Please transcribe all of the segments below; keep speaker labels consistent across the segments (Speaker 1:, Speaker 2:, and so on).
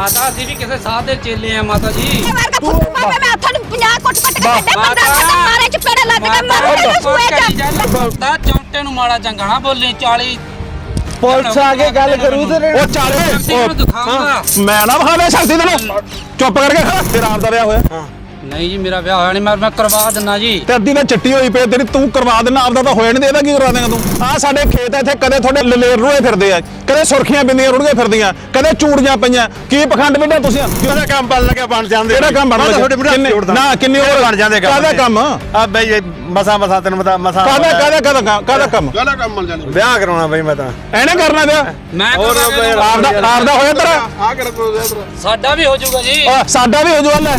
Speaker 1: ਮਾਤਾ ਅਸੀਂ ਵੀ ਕਿਸੇ ਸਾਧ ਦੇ ਚੇਲੇ ਆ ਮਾਤਾ ਜੀ।
Speaker 2: ਤੂੰ ਮੈਂ ਹੱਥਾਂ ਨੂੰ 50 ਕੁੱਟ ਕੇ ਕੱਢੇ ਬੰਦਾ ਮਾਰੇ ਚ ਪੇੜਾ ਲੱਗ ਕੇ ਮਾਰੇ ਸੂਏ ਚ
Speaker 1: ਤਾਂ ਚੌਂਟੇ ਨੂੰ ਮਾੜਾ ਚੰਗਾ ਨਾ ਬੋਲੀ 40
Speaker 3: ਪੁਲਿਸ ਆ ਕੇ ਗੱਲ ਕਰੂ ਤੇ
Speaker 4: ਉਹ ਚਾਲੇ
Speaker 1: ਦਿਖਾਉਂਗਾ
Speaker 4: ਮੈਂ ਨਾ ਵਿਖਾਵੇ ਸ਼ਕਤੀ ਤੈਨੂੰ ਚੁੱਪ ਕਰਕੇ ਖੜਾ ਤੇਰਾ ਆਪ ਦਾ ਵਿਆਹ ਹੋਇਆ
Speaker 1: ਨਹੀਂ ਜੀ ਮੇਰਾ ਵਿਆਹ ਹੋਇਆ ਨਹੀਂ ਮੈਂ ਕਰਵਾ ਦਿੰਦਾ ਜੀ।
Speaker 4: ਤੇ ਅੱਧੀ ਤਾਂ ਚਿੱਟੀ ਹੋਈ ਪਈ ਤੇਰੀ ਤੂੰ ਕਰਵਾ ਦੇਣਾ ਆਪਦਾ ਤਾਂ ਹੋਇਆ ਨਹੀਂ ਤੇ ਇਹਦਾ ਕੀ ਕਰਵਾ ਦੇਗਾ ਤੂੰ ਆ ਸਾਡੇ ਖੇਤ ਇੱਥੇ ਕਦੇ ਤੁਹਾਡੇ ਲਲੇਰ ਰੁੜੇ ਫਿਰਦੇ ਆ ਕਦੇ ਸੁਰਖੀਆਂ ਬਿੰਦੀਆਂ ਰੁੜੀਆਂ ਫਿਰਦੀਆਂ ਕਦੇ ਚੂੜੀਆਂ ਪਈਆਂ ਕੀ ਪਖੰਡ ਵਿੱਢਿਆ ਤੁਸੀਂ
Speaker 3: ਕਿਹੜਾ ਕੰਮ ਬਣ ਲੱਗਿਆ ਬਣ ਜਾਂਦੇ
Speaker 4: ਕਿਹੜਾ ਕੰਮ ਬਣ ਲੱਗਿਆ ਨਾ ਕਿੰਨੀ ਹੋਰ
Speaker 3: ਬਣ ਜਾਂਦੇ
Speaker 4: ਕਾਹਦਾ ਕੰਮ
Speaker 3: ਆ ਬਈ ਮਸਾ ਤੈਨੂੰ ਪਤਾ ਮਸਾ
Speaker 4: ਕਾਹਦਾ ਕੰਮ
Speaker 3: ਬਣ ਜਾਂਦੇ ਵਿਆਹ ਕਰਾਉਣਾ ਬਈ ਮੈਂ ਤਾਂ
Speaker 4: ਐਨੇ ਕਰਨਾ ਵਿਆਹ
Speaker 1: ਮੈਂ
Speaker 4: ਆਪਦਾ ਹੋਇਆ ਤੇਰਾ
Speaker 3: ਆ ਕਿਹੜਾ
Speaker 1: ਸਾਡਾ ਵੀ ਹੋ ਜਾਊਗਾ ਜੀ।
Speaker 4: ਸਾਡਾ ਵੀ ਹੋ ਜੂ ਲੈ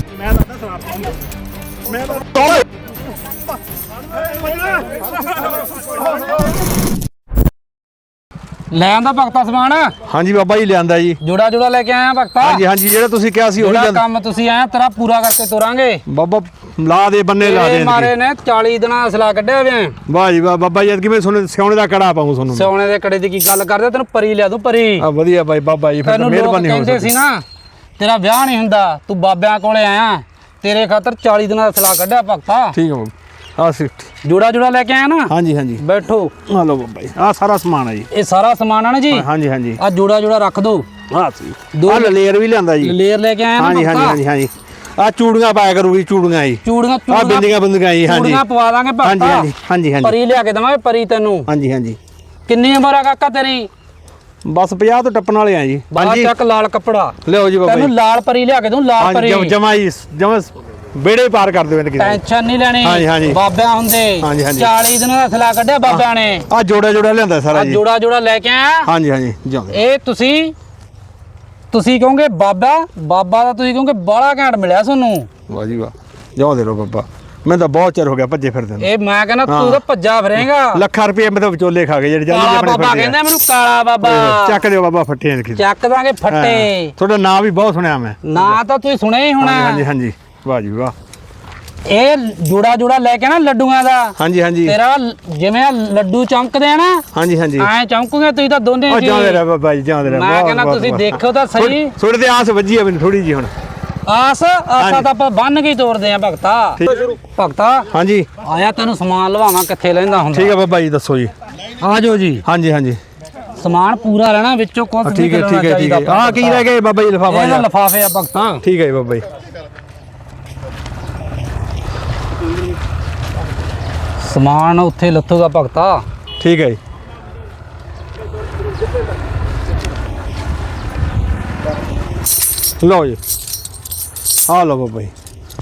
Speaker 1: ਲੈ ਆਂਦਾ ਭਗਤਾ ਸਮਾਨ
Speaker 3: ਹਾਂਜੀ ਬਾਬਾ ਜੀ ਲਿਆਂਦਾ ਜੀ
Speaker 1: ਜੋੜਾ ਜੋੜਾ ਲੈ ਕੇ ਆਇਆ ਭਗਤਾ।
Speaker 3: ਹਾਂਜੀ ਹਾਂਜੀ ਜਿਹੜਾ ਤੁਸੀਂ ਕਿਹਾ ਸੀ ਉਹ
Speaker 1: ਜਿਹੜਾ ਕੰਮ ਤੁਸੀਂ ਆਇਆ ਤੇਰਾ ਪੂਰਾ ਕਰਕੇ ਤੋਰਾਂਗੇ।
Speaker 3: ਬਾਬਾ ਲਾ ਦੇ ਬੰਨੇ ਲਾ ਦੇ
Speaker 1: ਮਾਰੇ ਨੇ 40 ਦਿਨਾਂ ਅਸਲਾ ਕੱਢਿਆ ਵੇ।
Speaker 3: ਵਾਹ ਜੀ ਵਾਹ ਬਾਬਾ ਜੀ ਕਿਵੇਂ ਸੁਣੇ ਸਿਉਣੇ ਦਾ ਕੜਾ ਪਾਉਂ ਤੁਹਾਨੂੰ
Speaker 1: ਸੋਨੇ ਦੇ ਕੜੇ ਦੀ ਕੀ ਗੱਲ ਕਰਦੇ ਤੈਨੂੰ ਪਰੀ ਲਿਆ ਦੂੰ ਪਰੀ।
Speaker 3: ਆ ਵਧੀਆ ਬਾਈ ਬਾਬਾ ਜੀ ਫਿਰ ਮਿਹਰਬਾਨੀ ਹੋ
Speaker 1: ਕਹਿੰਦੇ ਸੀ ਨਾ ਤੇਰਾ ਵਿਆਹ ਨਹੀਂ ਹੁੰਦਾ ਤੂੰ ਬਾਬਿਆਂ ਕੋਲੇ ਆਇਆ ਤੇਰੇ ਖਾਤਰ 40 ਦਿਨਾਂ ਦਾ ਅਸਲਾ ਕੱਢਿਆ ਭਗਤਾ।
Speaker 3: ਠੀਕ ਹੈ ਆ ਸਿੱਟ
Speaker 1: ਜੋੜਾ ਜੋੜਾ ਲੈ ਕੇ ਆਇਆ ਨਾ।
Speaker 3: ਹਾਂਜੀ ਹਾਂਜੀ
Speaker 1: ਬੈਠੋ
Speaker 3: ਆ ਲਓ ਬਾਬਾ ਜੀ ਆ ਸਾਰਾ ਸਮਾਨ ਹੈ ਜੀ
Speaker 1: ਇਹ ਸਾਰਾ ਸਮਾਨ ਆ ਨਾ ਜੀ।
Speaker 3: ਹਾਂਜੀ ਹਾਂਜੀ
Speaker 1: ਆ ਜੋੜਾ ਜੋੜਾ ਰੱਖ ਦੋ।
Speaker 3: ਆ ਸੀ ਆ ਲੇਅਰ ਵੀ ਲਿਆਂਦਾ ਜੀ
Speaker 1: ਲੇਅਰ ਲੈ ਕੇ ਆਇਆ ਨਾ
Speaker 3: ਹਾਂਜੀ ਹਾਂਜੀ ਹਾਂਜੀ ਹਾਂਜੀ ਆ ਚੂੜੀਆਂ ਪਾਇਆ ਕਰੂਗੀ ਚੂੜੀਆਂ ਜੀ
Speaker 1: ਚੂੜੀਆਂ
Speaker 3: ਆ ਬਿੰਦੀਆਂ ਬੰਦੀਆਂ ਜੀ ਹਾਂਜੀ
Speaker 1: ਚੂੜੀਆਂ ਪਵਾ ਦਾਂਗੇ ਭਗਤਾ।
Speaker 3: ਹਾਂਜੀ ਹਾਂਜੀ ਹਾਂਜੀ ਹਾਂਜੀ
Speaker 1: ਪਰੀ ਲਿਆ ਕੇ ਦਵਾਂਗੇ ਪਰੀ ਤੈਨੂੰ।
Speaker 3: ਹਾਂਜੀ ਹਾਂਜੀ
Speaker 1: ਕਿੰਨੀ ਉਮਰ ਆ ਕਾਕਾ ਤੇਰੀ?
Speaker 3: ਬਸ 50 ਤੋਂ ਟੱਪਣ ਵਾਲੇ ਆ ਜੀ
Speaker 1: ਬਾਹਰ ਚੱਕ ਲਾਲ ਕੱਪੜਾ
Speaker 3: ਲਿਓ ਜੀ ਬਾਬਾ
Speaker 1: ਤੈਨੂੰ
Speaker 3: ਜੀ
Speaker 1: ਲਾਲ ਪਰੀ ਲਿਆ ਕੇ ਦੂੰ ਲਾਲ ਪਰੀ।
Speaker 3: ਜਮਾ ਜੀ ਜਮਾ ਬੇੜੇ ਪਾਰ ਕਰ ਦਿਓ ਕਿਸੇ
Speaker 1: ਟੈਨਸ਼ਨ ਨਹੀਂ ਲੈਣੀ।
Speaker 3: ਹਾਂਜੀ, ਹਾਂਜੀ।
Speaker 1: ਬਾਬਿਆਂ ਹੁੰਦੇ
Speaker 3: ਹਾਂਜੀ, ਹਾਂਜੀ।
Speaker 1: 40 ਦਿਨਾਂ ਦਾ ਅਸਲਾ ਕੱਢਿਆ ਬਾਬਿਆਂ ਨੇ।
Speaker 3: ਆ ਜੋੜਾ ਜੋੜਾ ਲਿਆਂਦਾ ਸਾਰਾ ਜੀ
Speaker 1: ਜੋੜਾ ਜੋੜਾ ਲੈ ਕੇ ਆਇਆ।
Speaker 3: ਹਾਂਜੀ ਹਾਂਜੀ ਜਾਓ
Speaker 1: ਇਹ ਤੁਸੀਂ ਕਹੋਗੇ ਬਾਬਾ ਦਾ ਤੁਸੀਂ ਕਹੋਗੇ ਬਾਲਾ ਘੈਂਟ ਮਿਲਿਆ ਤੁਹਾਨੂੰ।
Speaker 3: ਵਾਹ ਜੀ ਵਾਹ ਜਾਓ ਦੇ ਲੋ ਬਾਬਾ ਮੈਂ ਤਾਂ ਬਹੁਤ ਚਿਰ ਹੋ ਗਿਆ ਭੱਜੇ ਫਿਰਦੇ ਨੂੰ
Speaker 1: ਇਹ ਮੈਂ ਕਹਿੰਦਾ ਤੂੰ ਤਾਂ ਭੱਜਾ ਫਿਰੇਗਾ।
Speaker 3: ਲੱਖਾਂ ਰੁਪਏ ਮੈਂ ਤਾਂ ਵਿਚੋਲੇ ਖਾ ਗਏ ਜਿਹੜੇ ਜਾਨੀ
Speaker 1: ਕਾਲਾ
Speaker 3: ਆਪਣੇ
Speaker 1: ਬਾਬਾ
Speaker 3: ਫਿਰਦੇ
Speaker 1: ਕਹਿੰਦਾ ਮੈਨੂੰ ਕਾਲਾ ਬਾਬਾ।
Speaker 3: ਚੱਕ ਦਿਓ ਬਾਬਾ ਫੱਟੇ ਲਿਖੀ
Speaker 1: ਚੱਕ ਦਾਂਗੇ ਫੱਟੇ।
Speaker 3: ਤੁਹਾਡਾ ਨਾਮ ਵੀ ਬਹੁਤ ਸੁਣਿਆ ਮੈਂ
Speaker 1: ਨਾ ਤਾਂ ਤੁਸੀਂ ਸੁਣਿਆ ਹੀ ਹੋਣਾ।
Speaker 3: ਹਾਂਜੀ ਹਾਂਜੀ ਵਾਹ ਜੀ ਵਾਹ
Speaker 1: ਇਹ ਜੋੜਾ ਜੋੜਾ ਲੈ ਕੇ ਨਾ ਲੱਡੂਆਂ ਦਾ।
Speaker 3: ਹਾਂਜੀ ਹਾਂਜੀ
Speaker 1: ਤੇਰਾ ਜਿਵੇਂ ਲੱਡੂ ਚਮਕਦੇ ਆ ਨਾ
Speaker 3: ਹਾਂਜੀ ਹਾਂਜੀ
Speaker 1: ਐ ਚਮਕੂਗੇ ਤੁਸੀਂ ਤਾਂ ਦੋਨੇ
Speaker 3: ਉਹ
Speaker 1: ਜੀ।
Speaker 3: ਜਾਂਦੇ ਰਹਿ ਬਾਬਾ ਜੀ ਜਾਂਦੇ ਰਹਿ
Speaker 1: ਮੈਂ ਕਹਿੰਦਾ ਤੁਸੀਂ ਦੇਖੋ ਤਾਂ ਸਹੀ।
Speaker 3: ਥੋੜੇ ਤੇ ਆਸ ਵੱਜੀ ਆ ਮੈਨੂੰ ਥੋੜੀ ਜੀ ਹੁਣ
Speaker 1: ਆਸਾ ਤਾਂ ਆਪਾਂ ਬੰਨ ਕੇ ਤੋਰਦੇ ਆ ਭਗਤਾ। ਭਗਤਾ
Speaker 3: ਹਾਂਜੀ
Speaker 1: ਆਇਆ ਤੈਨੂੰ ਸਮਾਨ ਲਵਾਵਾਂ ਕਿੱਥੇ ਲੈਂਦਾ ਹੁੰਦਾ।
Speaker 3: ਠੀਕ ਹੈ ਬਾਬਾ ਜੀ ਦੱਸੋ ਜੀ
Speaker 1: ਆ ਜਾਓ ਜੀ।
Speaker 3: ਹਾਂਜੀ ਹਾਂਜੀ
Speaker 1: ਸਮਾਨ ਪੂਰਾ ਲੈਣਾ ਵਿੱਚੋਂ ਕੁਝ ਨਹੀਂ
Speaker 3: ਠੀਕ ਹੈ ਠੀਕ ਹੈ ਠੀਕ ਹੈ ਆ ਕੀ ਰਹਿ ਗਏ ਬਾਬਾ ਜੀ ਲਿਫਾਫਾ
Speaker 1: ਇਹ ਲਿਫਾਫੇ ਆ ਭਗਤਾ।
Speaker 3: ਠੀਕ ਹੈ ਜੀ ਬਾਬਾ ਜੀ
Speaker 1: ਸਮਾਨ ਉੱਥੇ ਲੱਥੂਗਾ ਭਗਤਾ।
Speaker 3: ਠੀਕ ਹੈ ਜੀ ਲਓ ਜੀ ਆ ਲਓ ਬਾਬਾ ਜੀ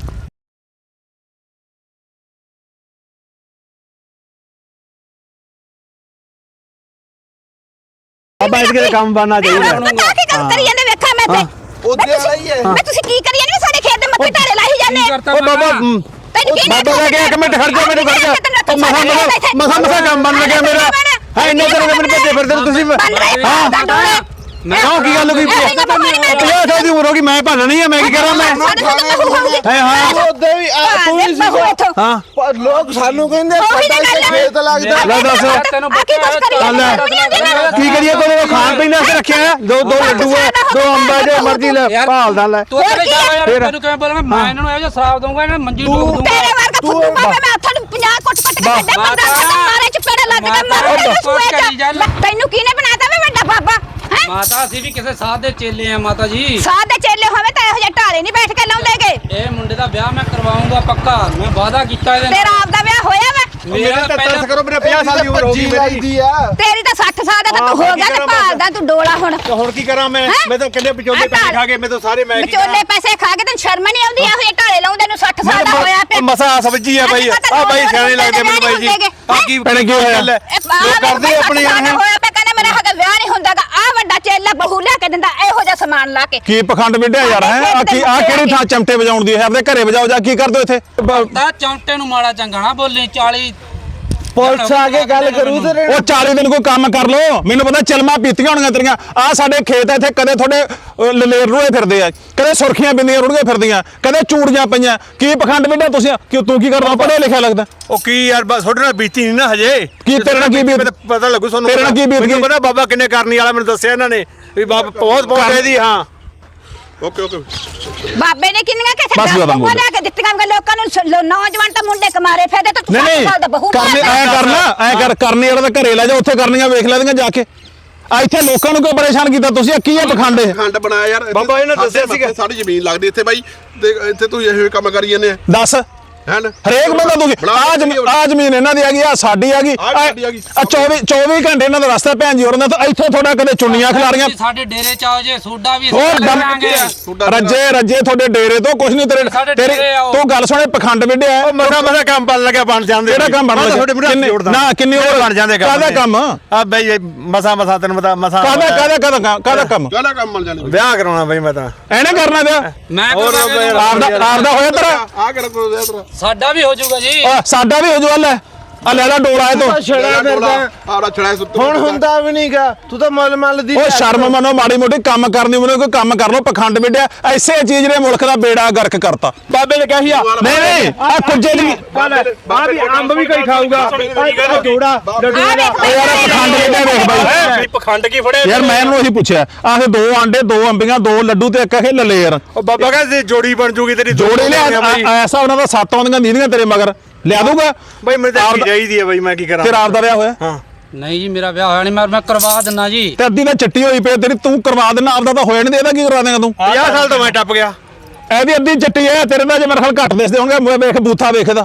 Speaker 3: ਬਾਬਾ ਇਸ ਦੇ ਕੰਮ ਬਣਨਾ ਚਾਹੀਦਾ
Speaker 2: ਕੀ ਗੱਲ ਕਰੀ ਜਾਂਦੇ ਵੇਖਾਂ ਮੈਂ ਤੇ ਉਹਦੇ ਵਾਲਾ ਹੀ ਹੈ। ਮੈਂ ਤੁਸੀਂ ਕੀ ਕਰੀ ਜਾਂਦੇ ਸਾਡੇ ਖੇਤ ਦੇ ਮੱਥੇ ਢਾਰੇ ਲਾਈ ਜਾਂਦੇ।
Speaker 3: ਉਹ ਬਾਬਾ
Speaker 2: ਤੈਨੂੰ ਕੀ
Speaker 3: ਬਾਬਾ ਦਾ ਕਿ ਇੱਕ ਮਿੰਟ ਖੜ ਜਾ ਮੈਨੂੰ ਖੜ ਜਾ ਮਸਾ ਕੰਮ ਬਣ ਲੱਗਿਆ ਮੇਰਾ ਹੈ ਇੰਨੇ ਦਿਨ ਮੈਨੂੰ ਭੱਜੇ ਫਿਰਦੇ ਤੁਸੀਂ ਹਾਂ ਕਿਉਂ ਕੀ ਗੱਲ ਹੋਈ 50 ਸਾਲ ਦੀ ਉਮਰ ਹੋ ਗਈ ਮੈਂ ਭਾਲਣੀ ਆ ਮੈਂ ਕੀ ਕਰਾਂ ਮੈਂ ਹਾਂ
Speaker 5: ਉਹਦੇ ਵੀ ਤੂੰ ਵੀ ਸੀ
Speaker 3: ਹਾਂ
Speaker 5: ਪਰ ਲੋਕ ਸਾਨੂੰ ਕਹਿੰਦੇ ਸਾਡਾ ਇੱਥੇ ਖੇਤ ਲੱਗਦਾ
Speaker 3: ਲੈ ਦੱਸ
Speaker 1: ਤੈਨੂੰ
Speaker 3: ਕੀ ਕਰੀਏ ਕੋਈ ਖਾਣ ਪੀਣ ਵਾਸਤੇ ਰੱਖਿਆ ਦੋ ਲੱਡੂ ਆ ਦੋ ਅੰਬਾ ਜੋ ਮਰਜ਼ੀ ਲੈ ਭਾਲਦਾ ਲੈ
Speaker 1: ਤੂੰ ਇੱਥੇ ਜਾ ਯਾਰ ਤੈਨੂੰ ਕਿਵੇਂ ਬੋਲਾਂਗਾ ਮੈਂ ਇਹਨਾਂ ਨੂੰ ਇਹੋ ਜਿਹਾ ਸ਼ਰਾਬ ਦਊਂਗਾ ਇਹਨਾਂ ਨੂੰ ਮੰਜੀ ਡੋਬ ਦਊਂਗਾ।
Speaker 2: ਤੇਰੇ ਵਰਗਾ ਫੁੱਟੂ ਬਾਬਾ ਮੈਂ ਹੱਥਾਂ ਨੂੰ 50 ਕੁੱਟ ਕੇ ਕੱਢੇ ਬੰਦਾ ਮਾਰੇ ਚ ਪੇੜਾ ਲੱਗ ਕੇ ਮਾਰੇ ਸੂਏ ਚ ਤੈਨੂੰ ਕਿਹਨੇ ਬਣਾਤਾ ਵੇ ਵੱਡਾ ਬਾਬਾ ਹੈ।
Speaker 1: ਮਾਤਾ ਅਸੀਂ ਵੀ ਕਿਸੇ ਸਾਧ ਦੇ ਚੇਲੇ ਆ ਮਾਤਾ ਜੀ।
Speaker 2: ਸਾਧ ਦੇ ਚੇਲੇ ਹੋਵੇ ਤਾਂ ਇਹੋ ਜਿਹੇ ਢਾਲੇ ਨਹੀਂ ਬੈਠ ਕੇ ਲਾਉਂਦੇਗੇ।
Speaker 1: ਇਹ ਮੁੰਡੇ ਦਾ ਵਿਆਹ ਮੈਂ ਕਰਵਾਉਂਗਾ ਪੱਕਾ। ਮੈਂ ਵਾਅਦਾ ਕੀਤਾ ਇਹਦੇ
Speaker 2: ਤੇਰਾ ਆਪ ਦਾ ਵਿਆਹ ਹੋਇਆ ਵਾ।
Speaker 1: ਮੇਰਾ
Speaker 3: ਤਾਂ ਤਰਸ ਕਰੋ ਮੇਰੇ 50 ਸਾਲ ਦੀ ਉਮਰ ਹੋ ਗਈ ਮੇਰੀ
Speaker 5: ਲੱਗਦੀ ਆ
Speaker 2: ਤੇਰੀ ਤਾਂ 60 ਸਾਲ ਦਾ ਤਾਂ ਤੂੰ ਹੋ ਗਿਆ ਤੇ ਭਾਲਦਾ ਤੂੰ ਡੋਲਾ ਹੁਣ।
Speaker 3: ਤੇ ਹੁਣ ਕੀ ਕਰਾਂ ਮੈਂ ਤਾਂ ਕਿੰਨੇ ਵਿਚੋਲੇ ਪੈਸੇ ਖਾ ਗਏ ਮੈਂ ਤਾਂ ਸਾਰੇ ਮੈਂ
Speaker 2: ਵਿਚੋਲੇ ਪੈਸੇ ਖਾ ਕੇ ਤੈਨੂੰ ਸ਼ਰਮ ਨਹੀਂ ਆਉਂਦੀ ਇਹੋ ਜਿਹੇ ਢਾਲੇ ਲਾਉਂਦੇ ਨੂੰ 60 ਸਾਲ ਦਾ ਹੋਇਆ ਪਿਆ।
Speaker 3: ਮਸਾ ਸਬਜੀ ਆ ਬਾਈ ਆ ਬਾਈ ਸਿਆਣੇ ਲੱਗਦੇ ਮੈਨੂੰ ਬਾਈ ਜੀ ਆ ਕੀ ਭੈਣੇ ਕੀ ਹੋਇਆ ਲੋਕ ਕਰਦੇ ਆਪਣੇ ਯਾਰ
Speaker 2: ਹੋਇਆ ਪਿਆ ਕਹਿੰਦਾ ਮੇਰਾ ਹੱਕ ਵਿਆਹ ਨਹੀਂ ਹੁੰਦਾਗਾ। ਆ ਵੱਡਾ ਚੇਲਾ ਬਹੂ ਲਿਆ ਕੇ ਦਿੰਦਾ ਇਹੋ ਜਿਹਾ ਸਮਾਨ ਲਾ ਕੇ।
Speaker 4: ਕੀ ਪਖੰਡ ਵਿੱਢਿਆ ਯਾਰ ਹੈ ਆ ਕਿਹੜੀ ਥਾਂ ਚਮਟੇ ਵਜਾਉਣ ਦੀ ਹੈ ਆਪਣੇ ਘਰੇ ਵਜਾਓ ਜਾ ਕੀ ਕਰਦੇ ਇੱਥੇ
Speaker 1: ਤਾਂ ਚੌਂਟੇ ਨੂੰ ਮਾੜਾ ਚੰਗਾ ਨਾ ਬੋਲੀ 40
Speaker 5: ਪੁਲਿਸ ਆ ਕੇ ਗੱਲ ਕਰੂ ਤੇ
Speaker 4: ਉਹ 40 ਦਿਨ ਕੋਈ ਕੰਮ ਕਰ ਲੋ ਮੈਨੂੰ ਪਤਾ ਚਲਮਾ ਪੀਤੀਆਂ ਹੋਣੀਆਂ ਤੇਰੀਆਂ ਆ ਸਾਡੇ ਖੇਤ ਇੱਥੇ ਕਦੇ ਤੁਹਾਡੇ ਲਲੇਰ ਰੁੜੇ ਫਿਰਦੇ ਆ ਕਦੇ ਸੁਰਖੀਆਂ ਬਿੰਦੀਆਂ ਰੁੜੀਆਂ ਫਿਰਦੀਆਂ ਕਦੇ ਚੂੜੀਆਂ ਪਈਆਂ ਕੀ ਪਖੰਡ ਵਿੱਢਿਆ ਤੁਸੀਂ ਕਿ ਤੂੰ ਕੀ ਕਰਦਾ ਪੜ੍ਹਿਆ ਲਿਖਿਆ ਲੱਗਦਾ
Speaker 3: ਉਹ ਕੀ ਯਾਰ ਬਸ ਤੁਹਾਡੇ ਨਾਲ ਬੀਤੀ ਨਹੀਂ ਨਾ ਹਜੇ
Speaker 4: ਕੀ ਤੇਰੇ ਨਾਲ ਕੀ ਬੀਤ
Speaker 3: ਪਤਾ ਲੱਗੂ ਤੁਹਾਨੂੰ
Speaker 4: ਤੇਰੇ ਨਾਲ ਕੀ ਬੀਤ ਗਈ?
Speaker 3: ਮੈਨੂੰ ਪਤਾ ਬਾਬਾ ਕਿੰਨੇ ਕਰਨੀ ਵਾਲਾ ਮੈਨੂੰ ਦੱਸਿਆ ਇਹਨਾਂ ਨੇ ਵੀ ਬਾਬਾ ਬਹੁਤ ਇਹਦੀ ਹਾਂ
Speaker 6: ਓਕੇ
Speaker 2: ਬਾਬੇ ਨੇ ਕਿੰਨੀਆਂ ਕਿਸੇ
Speaker 4: ਬਸ ਜ਼ਿਆਦਾ ਬੋਲ।
Speaker 2: ਲਿਆ ਕੇ ਦਿੱਤੀਆਂ ਵਾ ਲੋਕਾਂ ਨੂੰ ਨੌਜਵਾਨ ਤਾਂ ਮੁੰਡੇ ਕਮਾਰੇ ਫਿਰਦੇ ਤਾਂ ਤੂੰ
Speaker 4: ਨਹੀਂ
Speaker 2: 7 ਸਾਲ ਦਾ ਬਹੂ
Speaker 4: ਕਰਨੀ ਐ ਕਰਨਾ ਐ ਕਰਨੀ ਵਾਲਾ ਤਾਂ ਘਰੇ ਲੈ ਜਾ ਉੱਥੇ ਕਰਨੀਆਂ ਵੇਖ ਲੈਂਦੀਆਂ ਜਾ ਕੇ ਆ ਇੱਥੇ ਲੋਕਾਂ ਨੂੰ ਕਿਉਂ ਪਰੇਸ਼ਾਨ ਕੀਤਾ ਤੁਸੀਂ ਕੀ ਹੈ ਪਖੰਡ ਇਹ
Speaker 6: ਖੰਡ ਬਣਾਇਆ ਯਾਰ
Speaker 5: ਬਾਬਾ ਇਹਨੇ ਦੱਸਿਆ ਸੀਗਾ।
Speaker 6: ਸਾਡੀ ਜ਼ਮੀਨ ਲੱਗਦੀ ਇੱਥੇ ਬਾਈ ਤੇ ਇੱਥੇ ਤੂੰ ਇਹੋ ਕੰਮ ਕਰੀ ਜਾਂਦੇ ਆ
Speaker 4: ਦੱਸ
Speaker 6: ਹੈਨ
Speaker 4: ਹਰੇਕ ਬੰਦਾ ਤੁਸੀਂ ਆ ਜ਼ਮੀਨ ਇਹਨਾਂ ਦੀ ਹੈਗੀ ਆ ਸਾਡੀ ਹੈਗੀ
Speaker 6: ਆਹ ਸਾਡੀ ਹੈਗੀ।
Speaker 4: ਆ 24 ਘੰਟੇ ਇਹਨਾਂ ਦਾ ਰਸਤਾ ਭੈਣ ਜੀ ਹੋਰਾਂ ਦਾ ਤਾਂ ਇੱਥੋਂ ਥੋੜਾ ਕਦੇ ਚੁੰਨੀਆਂ ਖਿਲਾਰੀਆਂ
Speaker 1: ਸਾਡੇ ਡੇਰੇ ਚ ਆਓ ਜੇ ਸੋਡਾ ਵੀ
Speaker 4: ਹੋਰ
Speaker 1: ਕਰਾਂਗੇ
Speaker 4: ਰੱਜੇ ਤੁਹਾਡੇ ਡੇਰੇ ਤੋਂ ਕੁਝ ਨਹੀਂ
Speaker 1: ਸਾਡੇ
Speaker 4: ਤੇਰੇ
Speaker 1: ਡੇਰੇ ਆਓ।
Speaker 4: ਤੂੰ ਗੱਲ ਸੁਣੇ ਪਖੰਡ ਵਿੱਢਿਆ
Speaker 5: ਮਸਾ ਕੰਮ ਬਣ ਲੱਗਿਆ ਬਣ ਜਾਂਦੇ
Speaker 4: ਕਿਹੜਾ ਕੰਮ ਬਣ
Speaker 5: ਤੁਹਾਡੇ ਮੂਹਰੇ ਹੱਥ ਜੋੜਦਾ।
Speaker 4: ਨਾ ਕਿੰਨੀ ਉਮਰ
Speaker 5: ਬਣ ਜਾਂਦੇ
Speaker 4: ਕਾਹਦਾ ਕੰਮ
Speaker 5: ਆ ਬਈ ਮਸਾ ਤੈਨੂੰ ਪਤਾ ਮਸਾ
Speaker 4: ਕਾਹਦਾ ਕੰਮ
Speaker 6: ਕਾਹਦਾ ਕੰਮ ਮਿਲ ਜਾਣੇ
Speaker 5: ਵਿਆਹ ਕਰਾਉਣਾ ਬਈ ਮੈਂ ਤਾਂ
Speaker 4: ਐਨੇ ਕਰਨਾ ਪਿਆ
Speaker 1: ਮੈਂ
Speaker 5: ਹੋਰ
Speaker 4: ਆਪਦਾ ਹੋਇਆ ਤੇਰਾ
Speaker 6: ਆ ਕਿਹੜਾ ਕੋਈ ਤੇਰਾ
Speaker 1: ਸਾਡਾ ਵੀ ਹੋ ਜਾਊਗਾ ਜੀ
Speaker 4: ਸਾਡਾ ਵੀ ਹੋ ਜੂ ਲੈ ਆ ਲੈ ਡੋਲਾ ਇਹ ਤੋਂ
Speaker 5: ਛੜਾ ਫਿਰਦਾ
Speaker 6: ਆੜਾ ਛੜਾ ਸੁੱਤ
Speaker 5: ਹੁਣ ਹੁੰਦਾ ਵੀ ਨਹੀਂਗਾ ਤੂੰ ਤਾਂ ਮੁੱਲ ਦੀ
Speaker 4: ਓ ਸ਼ਰਮ ਮੰਨੋ ਮਾੜੀ ਮੋਟੀ ਕੰਮ ਕਰਨੀ ਮੈਨੂੰ ਕੋਈ ਕੰਮ ਕਰ ਲੋ ਪਖੰਡ ਵਿੱਢਿਆ ਐਸੇ ਚੀਜ਼ ਨੇ ਮੁਲਕ ਦਾ ਬੇੜਾ ਗਰਕ ਕਰਤਾ ਬਾਬੇ ਨੇ ਕਹੀ ਆ ਨਹੀਂ ਆ ਕੁੱਜੇ ਦੀ
Speaker 5: ਆ ਵੀ ਅੰਬ ਵੀ ਕੋਈ ਖਾਊਗਾ ਜੋੜਾ
Speaker 4: ਯਾਰ ਪਖੰਡ ਵਿੱਢਿਆ ਵੇਖ ਬਾਈ
Speaker 5: ਪਖੰਡ ਕੀ ਫੜਿਆ
Speaker 4: ਯਾਰ ਮੈਂ ਇਹਨੂੰ ਉਹੀ ਪੁੱਛਿਆ ਆਹ 2 ਆਂਡੇ 2 ਅੰਬੀਆਂ 2 ਲੱਡੂ ਤੇ ਇੱਕ ਇਹ ਲਲੇਰ
Speaker 5: ਉਹ ਬਾਬਾ ਕਹਿੰਦੇ ਜੋੜੀ ਬਣ ਜੂਗੀ ਤੇਰੀ
Speaker 4: ਜੋੜੇ ਨੇ ਐਸਾ ਉਹਨਾਂ ਦਾ 7 ਆਉਂਦੀਆਂ ਨੀਂਦੀਆਂ ਤੇਰੇ ਮਗਰ ਲਿਆ ਦੂਗਾ
Speaker 5: ਬਈ ਮੈਨੂੰ ਤਾਂ ਚਾਹੀਦੀ ਹੈ ਬਈ ਮੈਂ ਕੀ ਕਰਾਂ
Speaker 4: ਤੇਰਾ ਆਪਦਾ ਵਿਆਹ ਹੋਇਆ
Speaker 5: ਹਾਂ
Speaker 1: ਨਹੀਂ ਜੀ ਮੇਰਾ ਵਿਆਹ ਹੋਇਆ ਨਹੀਂ ਮੈਂ ਕਰਵਾ ਦਿੰਦਾ ਜੀ
Speaker 4: ਤੇ ਅੱਧੀ ਤਾਂ ਚੱਟੀ ਹੋਈ ਪਈ ਤੇਰੀ ਤੂੰ ਕਰਵਾ ਦੇਣਾ ਆਪਦਾ ਤਾਂ ਹੋਇਆ ਨਹੀਂ ਇਹਦਾ ਕੀ ਕਰਵਾ ਦੇਗਾ ਤੂੰ
Speaker 5: 50 ਸਾਲ ਤੋਂ ਮੈਂ ਟੱਪ ਗਿਆ
Speaker 4: ਇਹਦੀ ਅੱਧੀ ਚੱਟੀ ਐ ਤੇਰੇ ਨਾਲ ਜੇ ਮੇਰੇ ਖਿਆਲ ਘੱਟ ਦਿਸਦੇ ਹੋਣਗੇ ਵੇਖ ਬੂਥਾ ਵੇਖਦਾ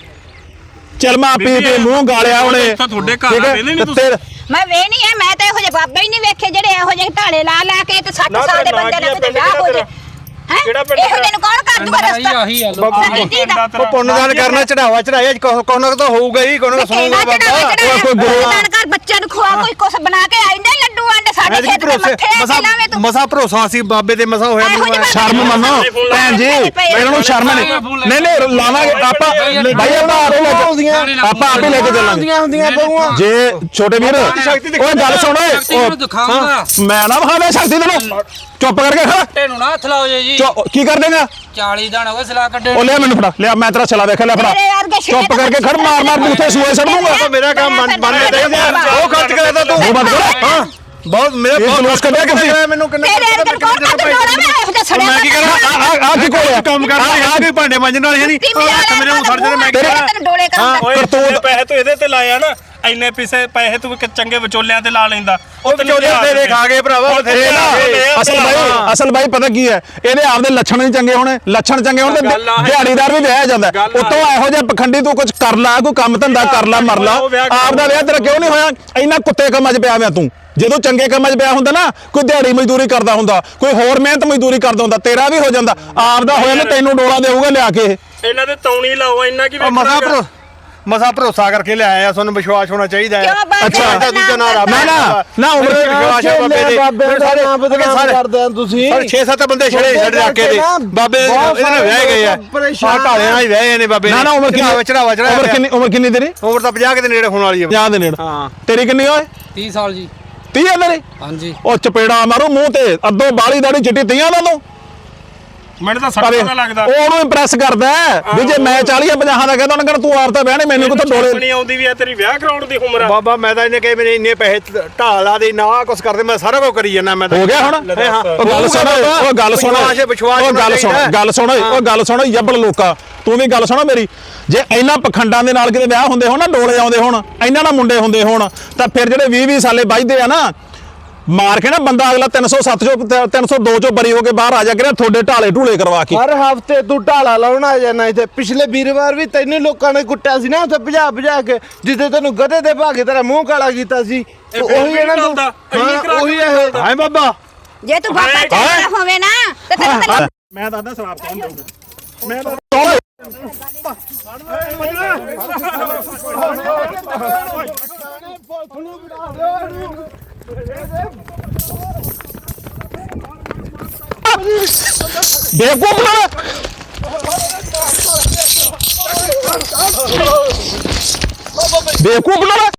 Speaker 4: ਚਲਮਾ ਪੀ ਕੇ ਮੂੰਹ ਗਾਲਿਆ ਉਹਨੇ
Speaker 7: ਤੁਹਾਡੇ ਘਰ ਆ ਨਹੀਂ ਤੁਸੀਂ
Speaker 2: ਮੈਂ ਵੇ ਨਹੀਂ ਹੈ ਮੈਂ ਤਾਂ ਇਹੋ ਜਿਹੇ ਬਾਬੇ ਹੀ ਨਹੀਂ ਵੇਖੇ ਜਿਹੜੇ ਇਹੋ ਜਿਹੇ ਢਾਲੇ ਲਾ ਕੇ ਤੇ 60 ਸਾਲ ਦੇ ਬੰਦੇ ਨਾਲ ਕਿਤੇ ਵਿਆਹ ਹੋ ਜੇ ਹੈ ਇਹੋ ਜਿਹੇ ਨੂੰ ਕੌਣ ਕਰ ਦੂਗਾ ਰਸਤਾ
Speaker 1: ਆਹੀ ਆ ਲੋਕ
Speaker 2: ਸਾਡੀ ਧੀ ਦਾ
Speaker 5: ਉਹ ਪੁੰਨਦਾਨ ਕਰਨਾ ਚੜਾਵਾ ਚੜਾਇਆ ਕੋਨਾ ਤਾਂ ਹੋਊਗਾ ਹੀ ਕੋਨਾ ਸੁਣੂਗਾ ਬਾਬਾ
Speaker 2: ਦਾਨ ਕਰ ਬੱਚਿਆਂ ਨੂੰ ਖਵਾ ਕੋਈ ਕੁਛ ਬਣਾ ਕੇ ਆਇਂਦੇ ਲੱਡੂ ਆਂਡੇ ਸਾਡੇ
Speaker 5: ਐਤਕੀ
Speaker 2: ਖੇਤ ਦੇ ਮੱਥੇ ਲਾਵੇਂ ਤੂੰ
Speaker 5: ਮਸਾ ਭਰੋਸਾ ਸੀ ਬਾਬੇ ਦੇ ਮਸਾ ਹੋਇਆ
Speaker 2: ਇਹੋ ਜਿਹੇ ਬਾਬੇ
Speaker 4: ਸ਼ਰਮ ਮੰਨੋ ਭੈਣ ਜੀ ਇਹਨਾਂ ਨੂੰ ਸ਼ਰਮ ਨਹੀਂ ਲਾਵਾਂਗੇ ਆਪਾਂ ਭਾਈ ਆਪਾਂ ਆਪੇ ਲੈ ਕੇ ਚੱਲਾਂਗੇ
Speaker 5: ਹੁੰਦੀਆਂ ਬਹੂਆਂ
Speaker 4: ਜੇ ਛੋਟੇ ਵੀਰ ਓਏ ਗੱਲ ਸੁਣ ਓਏ
Speaker 1: ਦਿਖਾਉਂਗਾ
Speaker 4: ਮੈਂ ਨਾ ਵਿਖਾਵੇ ਸ਼ਕਤੀ ਤੈਨੂੰ ਚੁੱਪ ਕਰਕੇ ਖੜਾ
Speaker 1: ਤੈਨੂੰ ਨਾ ਹੱਥ ਲਾਓ ਜੀ
Speaker 4: ਕੀ ਕਰ ਦੇਗਾ
Speaker 1: 40 ਦਿਨ ਹੋ ਗਏ ਸਲਾਹ ਕੱਢੇ
Speaker 4: ਉਹ ਲਿਆ ਮੈਨੂੰ ਫੜਾ ਲਿਆ ਮੈਂ ਤੇਰਾ ਛਲਾ ਵੇਖ ਲੈ ਫੜਾ
Speaker 2: ਮੇਰੇ ਵਰਗੇ ਛਿੱਲੇ
Speaker 4: ਚੁੱਪ ਕਰਕੇ ਖੜ ਮਾਰ ਬੂਥੇ ਸੂਏ ਸੜ ਦੂੰਗਾ
Speaker 5: ਮੇਰਾ ਕੰਮ ਬਣਨੇ ਚਾਹੀਦਾ ਉਹ ਖਰਚ ਕਰਦਾ ਤੂੰ
Speaker 4: ਉਹ ਬੰਦ ਕਰ
Speaker 5: ਹਾਂ ਬਹੁਤ ਮੇਰਾ
Speaker 4: ਇਹ ਜਲੂਸ ਕੱਢਿਆ ਕਿੱਥੇ
Speaker 5: ਮੈਨੂੰ ਕਿੰਨੇ
Speaker 2: ਤੇਰੇ ਵਰਗੇ ਕੌਣ ਕੱਢ ਦੋੜਾ ਮੈਂ ਇਹੋ ਜਿਹਾ ਸੜਿਆ
Speaker 5: ਮੈਂ ਕੀ ਕਰਾਂ
Speaker 4: ਆ ਕੀ ਕੋਲਿਆ
Speaker 5: ਕੰਮ ਕਰਦਾ ਹੈ ਕੋਈ ਭਾਂਡੇ ਮਾਂਜਣ ਵਾਲੇ ਹੈ ਨਹੀਂ ਹੱਥ ਮੇਰੇ ਨੂੰ ਸੜ ਜਣੇ ਮੈਂ ਕੀ ਕਰਾਂ
Speaker 2: ਤੈਨੂੰ ਡੋਲੇ ਕਰਾਂਦਾ
Speaker 7: ਓਏ ਜਿੰਨੇ ਪੈਸੇ ਤੂੰ ਇਹਦੇ ਤੇ ਲਾਇਆ ਨਾ ਇੰਨੇ ਪੈਸੇ ਤੂੰ ਚੰਗੇ ਵਿਚੋਲਿਆਂ ਤੇ ਲਾ ਲੈਂਦਾ
Speaker 5: ਉਹ ਵਿਚੋਲੇ ਤੇਰੇ ਖਾ ਗਏ ਭਰਾਵਾ ਬਥੇਰੇ
Speaker 4: ਅਸਲ ਬਾਈ ਪਤਾ ਕੀ ਹੈ ਇਹਦੇ ਆਪਦੇ ਲੱਛਣ ਨਹੀਂ ਚੰਗੇ ਹੋਣੇ ਲੱਛਣ ਚੰਗੇ ਹੋਣ ਤੇ ਦਿਹਾੜੀਦਾਰ ਵੀ ਵਿਆਹ ਜਾਂਦਾ ਉਤੋਂ ਇਹੋ ਜਿਹਾ ਪਖੰਡੀ ਤੂੰ ਕੁਝ ਕਰ ਲਾ ਕੋਈ ਕੰਮ ਧੰਦਾ ਕਰ ਲਾ ਮਰ ਲਾ ਆਪਦਾ ਵਿਆਹ ਤੇਰਾ ਕਿਉਂ ਨਹੀਂ ਹੋਇਆ ਇੰਨਾ ਕੁੱਤੇ ਕੰਮਾਂ 'ਚ ਪਿਆ ਹੋਇਆ ਤੂੰ ਜਦੋਂ ਚੰਗੇ ਕੰਮਾਂ 'ਚ ਪਿਆ ਹੁੰਦਾ ਨਾ ਕੋਈ ਦਿਹਾੜੀ ਮਜ਼ਦੂਰੀ ਕਰਦਾ ਹੁੰਦਾ ਕੋਈ ਹੋਰ ਮਿਹਨਤ ਮਜ਼ਦੂਰੀ ਕਰਦਾ ਹੁੰਦਾ ਤੇਰਾ ਵੀ ਹੋ ਜਾਂਦਾ ਆਪਦਾ ਹੋਇਆ ਨਾ ਤੈਨੂੰ ਡੋਲਾ ਦੇਊਗਾ ਲਿਆ ਕੇ
Speaker 7: ਇਹਨਾਂ ਦੇ ਤੌਣੀ ਲਾਓ ਇੰਨਾ ਕੀ
Speaker 5: ਮਸਾ ਭਰੋਸਾ ਕਰਕੇ ਲਿਆਇਆ ਤੁਹਾਨੂੰ ਵਿਸ਼ਵਾਸ ਹੋਣਾ ਚਾਹੀਦਾ ਹੈ
Speaker 2: ਅੱਛਾ
Speaker 5: ਦੂਜਾ ਨਾ ਰੱਬ
Speaker 4: ਨਾ ਉਮਰ
Speaker 5: ਵਿਸ਼ਵਾਸ ਹੈ ਬਾਬੇ ਦੇ ਸਾਰੇ ਕਰਦੇ ਆ ਤੁਸੀਂ 6-7 ਬੰਦੇ ਛੜੇ ਛੜੇ ਰੱਖ ਕੇ ਬਾਬੇ ਇਹਦੇ ਨਾਲ ਵਿਆਹ ਗਏ ਆ ਆ ਢਾਲਿਆਂ ਨਾਲ ਹੀ ਵਿਆਹੇ ਨੇ ਬਾਬੇ
Speaker 4: ਨਾ ਉਮਰ ਕਿੰਨੀ
Speaker 5: ਚੜਾਵਾ
Speaker 4: ਉਮਰ ਕਿੰਨੀ ਤੇਰੀ
Speaker 5: ਉਮਰ ਤਾਂ 50 ਦੇ ਨੇੜੇ ਹੋਣ ਵਾਲੀ ਹੈ
Speaker 4: 50 ਦੇ ਨੇੜੇ
Speaker 5: ਹਾਂ
Speaker 4: ਤੇਰੀ ਕਿੰਨੀ ਓਏ
Speaker 1: 30 ਸਾਲ ਜੀ
Speaker 4: 30 ਆ ਤੇਰੀ
Speaker 1: ਹਾਂਜੀ
Speaker 4: ਉਹ ਚਪੇੜਾ ਮਾਰੂ ਮੂੰਹ ਤੇ ਅੱਧੋ ਬਾਲੀ ਦਾੜੀ ਚਿੱਟੀ 30 ਦਾ ਤੂੰ
Speaker 7: ਮੈਨੂੰ ਤਾਂ 60 ਦਾ ਲੱਗਦਾ
Speaker 4: ਉਹ ਉਹਨੂੰ ਇੰਪ੍ਰੈਸ ਕਰਦਾ ਵੀ ਜੇ ਮੈਂ 40 ਜਾਂ 50 ਦਾ ਕਹਿੰਦਾ ਉਹਨੇ ਕਹਿੰਦਾ ਤੂੰ ਆਰਤਾ ਵਿਆਹਣੇ ਮੈਨੂੰ ਕਿੱਥੋਂ ਡੋਲੇ
Speaker 7: ਨਹੀਂ ਆਉਂਦੀ ਵੀ ਆ ਤੇਰੀ ਵਿਆਹ ਕਰਾਉਣ ਦੀ ਉਮਰ ਆ
Speaker 5: ਬਾਬਾ ਮੈਂ ਤਾਂ ਇਹਨੇ ਕਹੇ ਮੇਰੇ ਇੰਨੇ ਪੈਸੇ ਢਾਲਾ ਦੇ ਨਾ ਕੁਛ ਕਰਦੇ ਮੈਂ ਸਾਰਾ ਕੁਝ ਕਰੀ ਜਾਂਦਾ ਮੈਂ ਤਾਂ
Speaker 4: ਹੋ ਗਿਆ ਹੁਣ ਉਹ ਗੱਲ ਸੁਣ ਉਹ ਗੱਲ ਸੁਣ ਉਹ ਗੱਲ ਸੁਣ ਯੱਬਲ ਲੋਕਾ ਤੂੰ ਵੀ ਗੱਲ ਸੁਣੋ ਮੇਰੀ ਜੇ ਇਹਨਾਂ ਪਖੰਡਾਂ ਦੇ ਨਾਲ ਕਿਤੇ ਵਿਆਹ ਹੁੰਦੇ ਹੋਣ ਨਾ ਡੋਲੇ ਆਉਂਦੇ ਹੋਣ ਇਹਨਾਂ ਨਾਲ ਮੁੰਡੇ ਹੁੰਦੇ ਹੋਣ ਤਾਂ ਫਿਰ ਜਿਹੜੇ 20-20 ਸਾਲੇ ਵੱਜਦੇ ਆ ਨਾ ਮਾਰ ਕੇ ਨਾ ਬੰਦਾ ਅਗਲਾ 307 ਚੋਂ 302 ਚੋਂ ਬਰੀ ਹੋ ਕੇ ਬਾਹਰ ਆ ਜਾ ਕੇ ਤੁਹਾਡੇ ਢਾਲੇ ਢੂਲੇ ਕਰਵਾ ਕੇ
Speaker 5: ਹਰ ਹਫਤੇ ਤੂੰ ਢਾਲਾ ਲਾਉਣਾ ਆ ਜਾਣਾ ਇੱਥੇ ਪਿਛਲੇ ਵੀਰਵਾਰ ਵੀ ਤੈਨੂੰ ਲੋਕਾਂ ਨੇ ਕੁੱਟਿਆ ਸੀ ਨਾ ਉੱਥੇ ਭਜਾ ਕੇ ਜਿੱਥੇ ਤੈਨੂੰ ਗਧੇ ਦੇ ਭਾਗੇ ਤੇਰਾ ਮੂੰਹ ਕਾਲਾ ਕੀਤਾ ਸੀ ਉਹੀ ਇਹਨਾਂ ਨੂੰ ਉਹੀ ਇਹ ਹਾਏ ਬਾਬਾ
Speaker 2: ਜੇ ਤੂੰ ਬਾਬਾ ਚੰਗਾ ਹੋਵੇ ਨਾ ਤੇ ਤੈਨੂੰ
Speaker 4: ਮੈਂ ਦੱਸਦਾ ਸਰਾਪ ਕੌਣ ਦਊਗਾ ਮੈਂ ਬੇਵਕੂਫ ਨਾ ਬੇਵਕੂਫ ਨਾ